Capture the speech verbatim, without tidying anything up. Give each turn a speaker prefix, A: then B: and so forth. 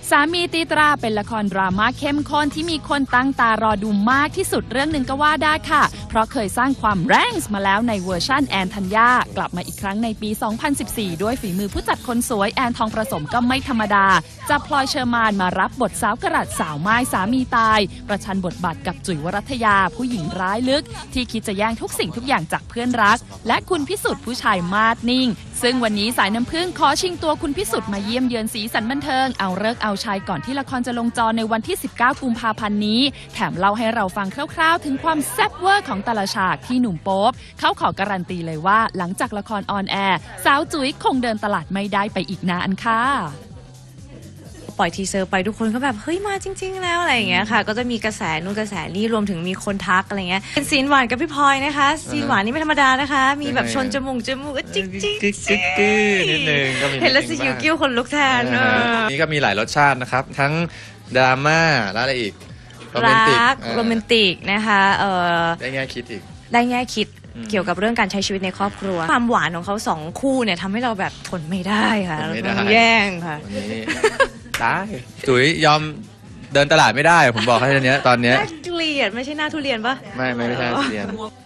A: สามีตีตราเป็นละครดราม่าเข้มข้นที่มีคนตั้งตารอดูมากที่สุดเรื่องหนึ่งก็ว่าได้ค่ะเพราะเคยสร้างความแรงส์มาแล้วในเวอร์ชั่นแอนธัญญากลับมาอีกครั้งในปี สองพันสิบสี่ ด้วยฝีมือผู้จัดคนสวยแอนทองประสมก็ไม่ธรรมดาจับพลอยเชอร์มานมารับบทสาวกระดัดสาวไม้สามีตายประชันบทบาทกับจุ๋ยวรัตยาผู้หญิงร้ายลึกที่คิดจะแย่งทุกสิ่งทุกอย่างจากเพื่อนรักและคุณพิสุทธิ์ผู้ชายมาดนิ่งซึ่งวันนี้สายน้ำผึ้งขอชิงตัวคุณพิสุทธิ์มาเยี่ยมเยือนสีสันบันเทิงเอาเลิกเอาชัยก่อนที่ละครจะลงจอในวันที่ สิบเก้า กุมภาพันธ์นี้แถมเล่าให้เราฟังคร่าวๆถึงความแซ่บเวอร์ของแต่ละฉากที่หนุ่มโป๊ปเขาขอการันตีเลยว่าหลังจากละครออนแอร์สาวจุ๋ยคงเดินตลาดไม่ได้ไปอีกนานค่ะ
B: ปล่อยทีเซอร์ไปทุกคนก็แบบเฮ้ยมาจริงๆแล้วอะไรอย่างเงี้ยค่ะก็จะมีกระแสนู่นกระแสนี่รวมถึงมีคนทักอะไรเงี้ยเป็นซีนหวานกับพี่พลอยนะคะซีนหวานนี่ไม่ธรรมดานะคะมีแบบชนจมูกจมูกจิ๊กจิ๊กจิ๊ก
C: นิดนึงก็มี
B: เห็นแล้วสิคิวกิ้วคนลุกแทน
C: นี่ก็มีหลายรสชาตินะครับทั้งดราม่าแล้วอะไรอีกโรแมนติก
B: โรแมนติกนะคะเออ
C: ได้แง่คิดอีก
B: ได้แง่คิดเกี่ยวกับเรื่องการใช้ชีวิตในครอบครัวความหวานของเขาสองคู่เนี่ยทำให้เราแบบทนไม่ได้ค่ะมันแย่งค่ะ
C: ตายจุ๋ยยอมเดินตลาดไม่ได้ผมบอกให้ตอนนี้ตอนนี้
B: น่าเกลียดไม่ใช่หน้าทุเรียนปะ
C: ไม่ไม่ใช่ทุเรียน